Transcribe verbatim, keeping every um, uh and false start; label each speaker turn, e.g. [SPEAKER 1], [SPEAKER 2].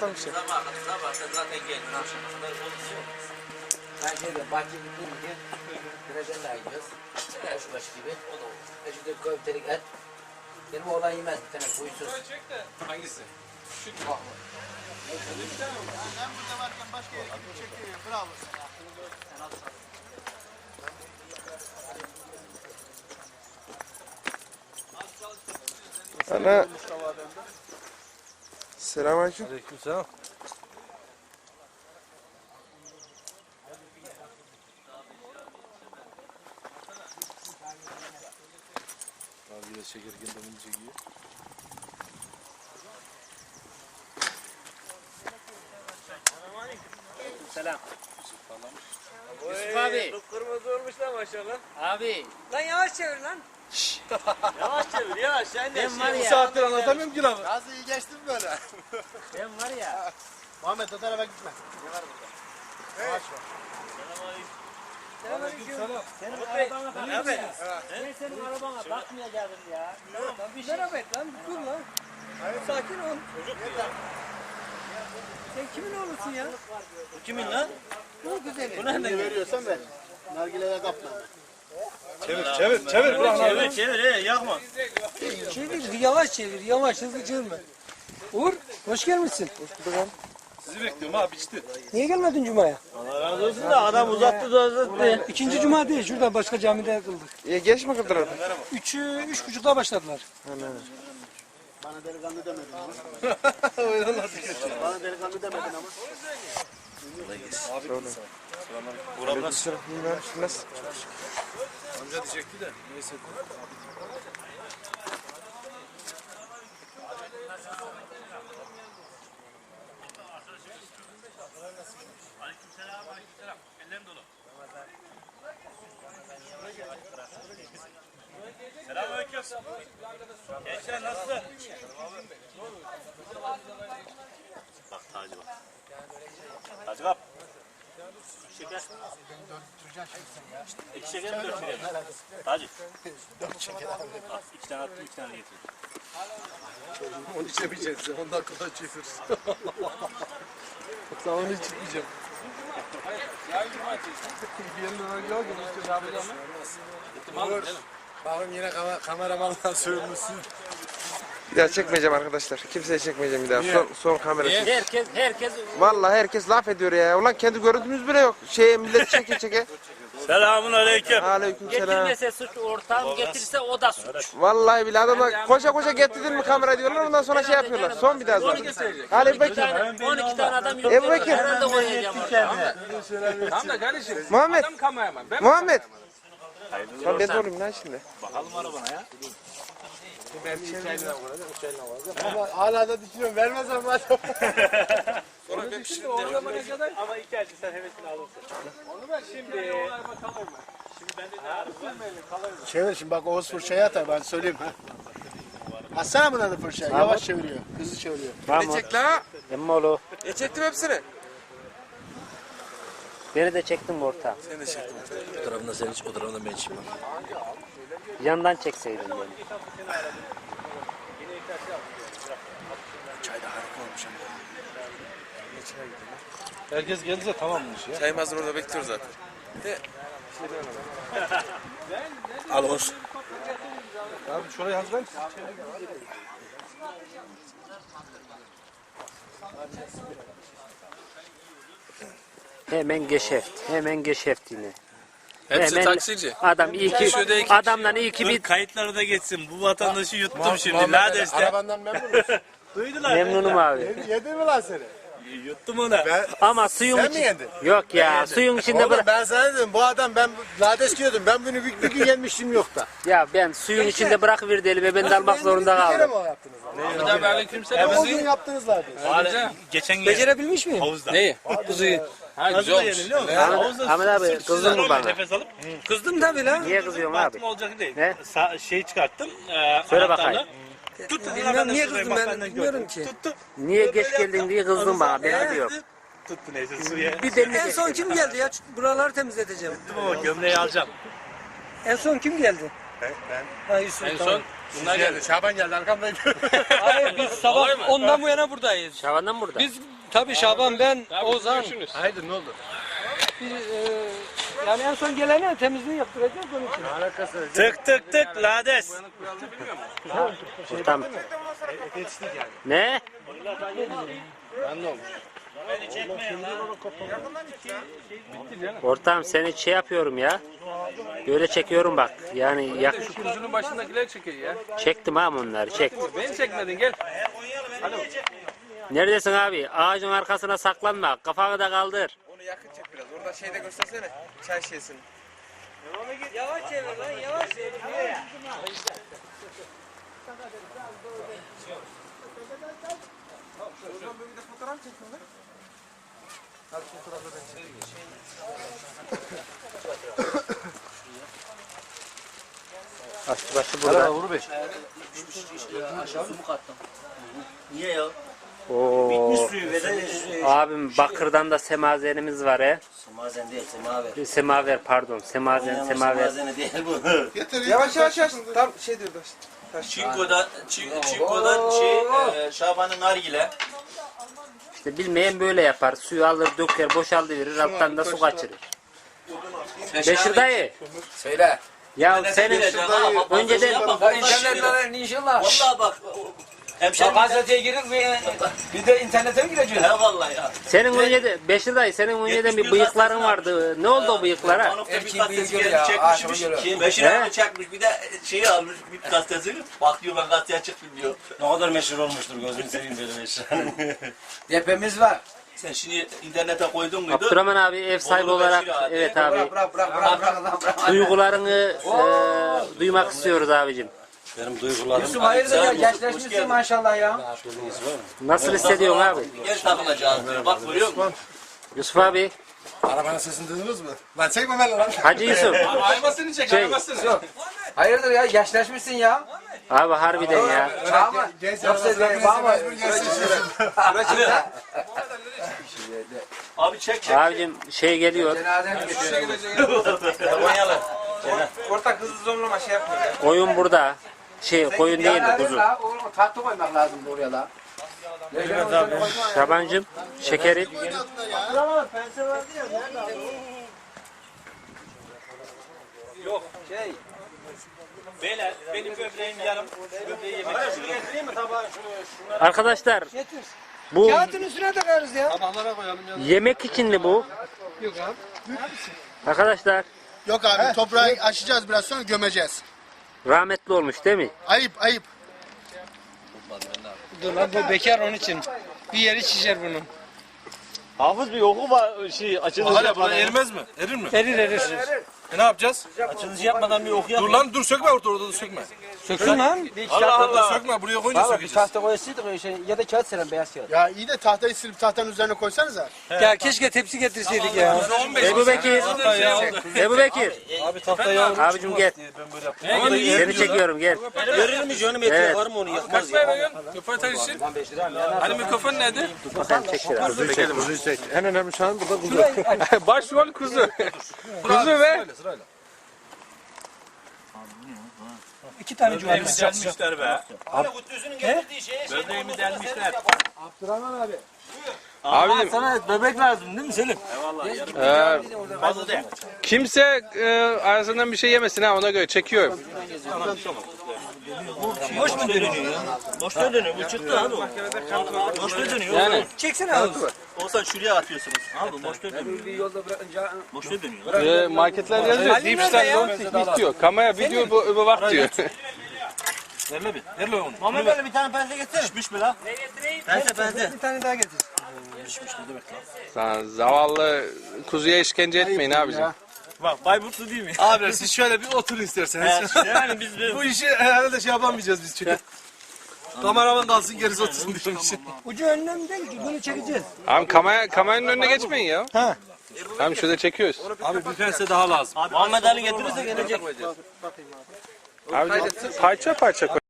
[SPEAKER 1] sabahtan bir şey.
[SPEAKER 2] Sabah sabah zaten geldin akşamlar konuşuyor. Ben şeyde bahçe gittiğimde Kıraca'nla gidiyoruz. Neler şu başı gibi. O da olur. E şu da köftelik et. Benim oğlan yemez bir tane kuysuz.
[SPEAKER 3] Hangisi? Şu
[SPEAKER 2] Bak.
[SPEAKER 4] Ben burada varken başka yere gidip çekiyor. Bravo sana.
[SPEAKER 1] Ana. Selamünaleyküm.
[SPEAKER 3] Aleykümselam. Abi de çekerken de bunu çekiyor.
[SPEAKER 5] Selam.
[SPEAKER 2] Yusuf abi. Kırmızı olmuş lan maşallah.
[SPEAKER 5] Abi.
[SPEAKER 6] Lan yavaş çevir lan.
[SPEAKER 2] Yavaş çevir yavaş. Sen de
[SPEAKER 5] Ben var
[SPEAKER 3] Bu
[SPEAKER 5] ya.
[SPEAKER 3] saattir anlatamıyorum ki lafı.
[SPEAKER 4] Nasıl iyi geçtin böyle?
[SPEAKER 5] Ben var ya.
[SPEAKER 4] Muhammed o tarafa gitme.
[SPEAKER 3] Aleykümselam.
[SPEAKER 5] Senin arabana bakmaya. Ben senin arabana bakmaya geldim ya. Bir şey.
[SPEAKER 6] Merhaba et lan. Dur lan. Sakin ol. Sen kimin oğlusun ya?
[SPEAKER 2] Kimin lan?
[SPEAKER 6] Bu güzeli.
[SPEAKER 2] Bu nereden geliyor?
[SPEAKER 4] Veriyorsan ver. Nargileye kapma.
[SPEAKER 3] Çevir çevir çevir. Bırak lan.
[SPEAKER 2] Çevir çevir he yakma.
[SPEAKER 6] Çevir, yavaş çevir, yavaş, hızlı çevirme. Uğur, hoş gelmişsin.
[SPEAKER 3] Sizi bekliyorum abi içti.
[SPEAKER 6] Niye gelmedin Cuma'ya?
[SPEAKER 2] Allah razı olsun da adam uzattı da uzattı.
[SPEAKER 6] İkinci Cuma değil, şurada başka camide kıldık.
[SPEAKER 1] Ya geç mi kıldılar?
[SPEAKER 6] Üçü, üç buçukta başladılar.
[SPEAKER 4] Bana delikanlı demedin ama.
[SPEAKER 3] Öyle nasıl
[SPEAKER 4] Bana delikanlı demedin ama.
[SPEAKER 3] Buram nasıl?
[SPEAKER 1] Nasıl?
[SPEAKER 3] Amca diyecekti de. Neyse.
[SPEAKER 2] Selamünaleyküm. Gençler nasılsın? Bak Taci bak. Taci kap. Şeker. İki şeker mi dört şeker mi? Taci. Dört şeker abi. İki tane attım iki tane getirdim.
[SPEAKER 3] Onu içemeyeceğiz. on dakikada içiyoruz. Sen onu hiç içmeyeceğim. Yerine yok mu? Bakın yine kam kameramanla sövmüşsün.
[SPEAKER 1] Bir daha çekmeyeceğim arkadaşlar. Kimseye çekmeyeceğim bir daha. Son, son kamera çek.
[SPEAKER 5] Herkes herkes
[SPEAKER 1] Vallahi herkes laf ediyor ya. Ulan kendi görüntümüz bile yok. Şey millet çeke çeke.
[SPEAKER 2] Selamun aleyküm.
[SPEAKER 1] Aleykümselam.
[SPEAKER 5] getirmese suç, ortağım getirse o da suç.
[SPEAKER 1] Vallahi bile adamlar koşa koşa getirdin mi kamera diyorlar ondan sonra şey yapıyorlar. Son bir daha sonra. Ali
[SPEAKER 5] on iki
[SPEAKER 1] Bekir.
[SPEAKER 5] tane, on iki tane adam yok.
[SPEAKER 1] Ebu Bekir.
[SPEAKER 5] Herhalde oynayacağım orada.
[SPEAKER 7] Tamam da kardeşim.
[SPEAKER 1] Muhammed.
[SPEAKER 7] Adam kameraman. Ben
[SPEAKER 1] Muhammed. Lan ben de olayım lan şimdi.
[SPEAKER 2] Bakalım arabana ya.
[SPEAKER 4] Ama hala da düşünüyorum. Vermezsem madem.
[SPEAKER 7] sonra ben şimdi o zamana kadar
[SPEAKER 2] Ama iki acı sen hevesini alırsın.
[SPEAKER 7] onu ben şimdi bakalım ben.
[SPEAKER 2] Şimdi bende ne araba?
[SPEAKER 4] Çevir şimdi bak Oğuz fırçayı atar ben söyleyeyim ha. Atsana buna da fırçayı. Yavaş çeviriyor. Hızlı çeviriyor.
[SPEAKER 1] Ne çek la?
[SPEAKER 5] Emmoğlu.
[SPEAKER 1] E çektim hepsini.
[SPEAKER 5] Beni de çektin ortağım.
[SPEAKER 1] Seni de çektim.
[SPEAKER 2] Bu tarafında sen iç, o tarafında ben içeyim.
[SPEAKER 5] Yandan çekseydin beni.
[SPEAKER 1] Çay da harika olmuş ama.
[SPEAKER 3] Herkes geldiyse tamammış ya.
[SPEAKER 1] Çayım hazır orada bekliyor zaten. De.
[SPEAKER 2] Al olsun.
[SPEAKER 3] Abi şurayı hazırlayın.
[SPEAKER 5] Hemen geschäft. Hemen geschäft yine.
[SPEAKER 7] hepsi
[SPEAKER 5] Hemen
[SPEAKER 7] taksici.
[SPEAKER 5] Adam iyi ki
[SPEAKER 7] Şurada iki
[SPEAKER 5] adamdan iyi ki
[SPEAKER 2] Dur
[SPEAKER 5] bir
[SPEAKER 2] kayıtları da geçsin. Bu vatandaşı yuttum şimdi. Neredeyse.
[SPEAKER 4] Arabandan memnun musun?
[SPEAKER 2] Duydular.
[SPEAKER 5] memnunum abi.
[SPEAKER 4] Yedin mi lan seni?
[SPEAKER 2] Yuttum ona.
[SPEAKER 5] Ama suyun
[SPEAKER 4] Sen mi
[SPEAKER 5] içi-
[SPEAKER 4] yedin?
[SPEAKER 5] Yok ya suyun içinde
[SPEAKER 4] Oğlum
[SPEAKER 5] bırak.
[SPEAKER 4] ben sana dedim bu adam ben lades diyordum. Ben bunu bir, bir gün yemiştim yok da.
[SPEAKER 5] Ya ben suyun içinde bırakıverdi eli ve ben de almak zorunda
[SPEAKER 4] Bir kere
[SPEAKER 5] kaldım.
[SPEAKER 4] mi o yaptınız?
[SPEAKER 7] Bir daha aleykümselam.
[SPEAKER 4] O gün yaptınız lades.
[SPEAKER 2] Hala geçen gün
[SPEAKER 6] Becerebilmiş miyim?
[SPEAKER 2] havuzda.
[SPEAKER 7] Neyi? Kuzuyu. Ha güzel
[SPEAKER 2] Havuzda
[SPEAKER 7] olmuş.
[SPEAKER 2] yeniliyor musun?
[SPEAKER 5] Ahmet,
[SPEAKER 2] Havuzda
[SPEAKER 5] Ahmet abi
[SPEAKER 2] sırt
[SPEAKER 5] kızdın
[SPEAKER 2] üstüne
[SPEAKER 5] mı bana?
[SPEAKER 2] Nefes alıp
[SPEAKER 6] Kızdım tabii lan.
[SPEAKER 5] Niye kızıyorsun abi?
[SPEAKER 2] baktım olacak değil.
[SPEAKER 5] Ne?
[SPEAKER 2] Sa- şey çıkarttım. E,
[SPEAKER 5] Söyle
[SPEAKER 2] anahtarla.
[SPEAKER 5] bakayım.
[SPEAKER 2] Tuttu.
[SPEAKER 6] Bilmem niye
[SPEAKER 2] şurayı
[SPEAKER 6] kızdım ben
[SPEAKER 2] bak,
[SPEAKER 6] bilmiyorum
[SPEAKER 2] gördüm.
[SPEAKER 6] ki.
[SPEAKER 2] Tuttu.
[SPEAKER 5] Niye geç geldin diye kızdın bana ben biliyorum.
[SPEAKER 2] Tuttu neyse suya.
[SPEAKER 5] Bir demli
[SPEAKER 6] En son kim geldi ya? Buraları temizleteceğim.
[SPEAKER 2] Tuttum ama gömleği alacağım.
[SPEAKER 6] En son kim geldi?
[SPEAKER 3] Ben.
[SPEAKER 6] Ha Yusuf
[SPEAKER 7] En
[SPEAKER 6] tamam.
[SPEAKER 7] son bunlar geldi.
[SPEAKER 3] Şaban geldi arkamdaydı.
[SPEAKER 6] Hayır biz sabah ondan bu yana buradayız.
[SPEAKER 2] Şaban'dan mı burada?
[SPEAKER 6] Biz tabii Şaban, ben, Ozan.
[SPEAKER 3] Haydi ne oldu?
[SPEAKER 6] Biz, e, yani en son gelene temizliği yaptıracağız onun için.
[SPEAKER 5] Tık tık tık lades.
[SPEAKER 2] Tamam. Ne? Ortam seni şey yapıyorum ya. Böyle çekiyorum bak. Yani yak
[SPEAKER 7] Şu kuzunun başındakileri çekiyor ya.
[SPEAKER 2] çektim ha onları çek.
[SPEAKER 7] Beni çekmedin gel.
[SPEAKER 2] Neredesin abi? Ağacın arkasına saklanma. Kafanı da kaldır.
[SPEAKER 1] Onu yakın çek biraz. Orada şeyde göstersene. Çay şişesini.
[SPEAKER 6] Yavaş çevir lan, yavaş çevir.
[SPEAKER 1] Oradan böyle bir de fotoğraf çekin lan. Hadi fotoğrafı ben çekeyim.
[SPEAKER 2] Aslı başı burada.
[SPEAKER 3] Uğur Bey.
[SPEAKER 5] Niye ya?
[SPEAKER 2] Oo.
[SPEAKER 5] Suyu ve
[SPEAKER 2] Abim bakırdan da semazenimiz var he.
[SPEAKER 5] Semazen değil, semaver.
[SPEAKER 2] Semaver pardon. Semazen semaver.
[SPEAKER 5] Semazeni değil bu.
[SPEAKER 1] Yavaş yavaş yavaş. Tam şey diyor taş. Taş.
[SPEAKER 8] Çinko'da, Çin- Çinko'dan şey, e, Şaban'ın nargile.
[SPEAKER 2] İşte bilmeyen böyle yapar. Suyu alır döker boşaltıverir alttan da su kaçırır. Beşir dayı. Söyle. Ya senin önceden
[SPEAKER 8] İnternetten inşallah. Vallahi bak. Hemşerim gazeteye girin ve bir de internete mi gireceğiz? He vallahi ya.
[SPEAKER 2] senin önceden Beşir dayı senin önceden bir bıyıkların vardı. Ne oldu o bıyıklara?
[SPEAKER 8] Bir gazetesi gelip çekmişmiş. Beşir abi çekmiş. Bir de şeyi almış bir gazetesini. Bak diyor ben gazeteye çıktım diyor.
[SPEAKER 5] Ne kadar meşhur olmuştur gözünü seveyim böyle meşhur.
[SPEAKER 2] Depemiz var.
[SPEAKER 8] Sen şimdi internete koydun muydu?
[SPEAKER 2] Abdurrahman abi ev sahibi
[SPEAKER 8] Bolu
[SPEAKER 2] olarak
[SPEAKER 8] Beşir abi.
[SPEAKER 2] evet abi
[SPEAKER 8] Bırak bırak bırak bırak bırak.
[SPEAKER 2] duygularını e, duymak istiyoruz abicim.
[SPEAKER 5] Benim duygularım.
[SPEAKER 8] Yusuf hayırdır ya gençleşmişsin maşallah ya.
[SPEAKER 2] Nasıl hissediyorsun abi?
[SPEAKER 8] Gel takılacağız böyle bak görüyor musun?
[SPEAKER 2] Yusuf abi,
[SPEAKER 3] Arabanın sesini duydunuz mu? Lan çekme ben lan.
[SPEAKER 2] Hacı Yusuf.
[SPEAKER 7] Aymasını çek
[SPEAKER 2] Şey,
[SPEAKER 7] aymasını.
[SPEAKER 2] hayırdır ya yaşlaşmışsın ya. Abi harbiden ya.
[SPEAKER 1] Ama yoksa de baba.
[SPEAKER 8] Abi çek çek.
[SPEAKER 2] Abicim şey geliyor.
[SPEAKER 8] Konyalı.
[SPEAKER 1] Ortak hızlı zonlama şey yapmıyor ya.
[SPEAKER 2] Koyun burada. Şey koyun değil de kuzu. Tatlı koymak lazım oraya da. Şabancım şekeri.
[SPEAKER 5] Beyler benim böbreğim yarım. Böbreği yemek
[SPEAKER 2] Arkadaşlar
[SPEAKER 6] Getir.
[SPEAKER 2] bu
[SPEAKER 6] Kağıtın üstüne takarız ya.
[SPEAKER 3] Tabaklara koyalım ya.
[SPEAKER 2] yemek için mi bu?
[SPEAKER 6] Yok abi.
[SPEAKER 2] Arkadaşlar
[SPEAKER 4] Yok abi toprağı aşacağız biraz sonra gömeceğiz.
[SPEAKER 2] rahmetli olmuş değil mi?
[SPEAKER 4] Ayıp ayıp.
[SPEAKER 6] Dur lan bu bekar onun için. Bir yeri şişer bunun.
[SPEAKER 5] Hafız bir oku var şey açılış
[SPEAKER 3] Hala buna erimez mi? Erir mi?
[SPEAKER 6] Erir erir.
[SPEAKER 3] E ne yapacağız?
[SPEAKER 5] Açılış yapmadan bir oku yap.
[SPEAKER 3] Dur lan dur sökme orada orada da sökme.
[SPEAKER 6] Söksün lan.
[SPEAKER 3] Allah Allah. Sökme buraya koyunca sökeceğiz.
[SPEAKER 4] Ya iyi de tahtayı silip tahtanın üzerine koysanıza.
[SPEAKER 6] Ya keşke tepsi getirseydik ya.
[SPEAKER 2] Ebu Bekir. Ebu Bekir.
[SPEAKER 3] Abi tahtayı al.
[SPEAKER 2] Abicim gel. Seni çekiyorum gel.
[SPEAKER 5] Görür mü canım
[SPEAKER 2] Evet.
[SPEAKER 5] eti var mı onu yakmaz
[SPEAKER 7] Kaç
[SPEAKER 5] ya.
[SPEAKER 7] para veriyorsun? Röportaj için. Hani mikrofon nerede?
[SPEAKER 2] Bakalım çek biraz.
[SPEAKER 3] Kuzuyu çek. En önemli şu an burada kuzu.
[SPEAKER 7] Başrol kuzu. Kuzu ve
[SPEAKER 6] İki tane cumartesi.
[SPEAKER 5] Delmişler be. Abi kutusunu getirdiği şeye şey.
[SPEAKER 8] Böbreğimi delmişler.
[SPEAKER 7] abim
[SPEAKER 5] Sana bebek lazım değil mi Selim?
[SPEAKER 8] Fazla değil.
[SPEAKER 7] kimse e, arasından bir şey yemesin ha ona göre çekiyorum.
[SPEAKER 5] Boş mu dönüyor ya? Boş da dönüyor. Bu çıktı abi o. Boş da dönüyor.
[SPEAKER 7] Yani
[SPEAKER 6] Çeksene abi.
[SPEAKER 8] Olsan şuraya atıyorsunuz.
[SPEAKER 5] Abi boş da dönüyor. Boş da dönüyor.
[SPEAKER 7] e, marketler yazıyor.
[SPEAKER 6] Ali
[SPEAKER 7] Deep
[SPEAKER 6] nerede ya?
[SPEAKER 7] Star Don't diyor. Kamera video bu, bu bak diyor.
[SPEAKER 3] Ver lan bir. Ver lan onu.
[SPEAKER 5] Muhammed böyle bir tane pense getir. Pişmiş mi lan? Ne getireyim? Pense pense.
[SPEAKER 6] Bir tane daha getir.
[SPEAKER 7] Lan zavallı kuzuya işkence etmeyin abicim.
[SPEAKER 5] Bak Bayburtlu değil mi?
[SPEAKER 3] Abi siz şöyle bir oturun isterseniz.
[SPEAKER 5] Yani biz bir...
[SPEAKER 3] Bu işi herhalde şey yapamayacağız biz çünkü. Kameraman kalsın gerisi otursun diyorum işte.
[SPEAKER 6] Ucu önüne değil ki bunu çekeceğiz.
[SPEAKER 7] Abi kamera, kameranın önüne geçmeyin ya.
[SPEAKER 6] Ha.
[SPEAKER 7] Tamam şurada çekiyoruz.
[SPEAKER 3] Abi bir pense daha lazım.
[SPEAKER 5] Muhammed Ali getirirse gelecek.
[SPEAKER 7] Abi parça parça koy.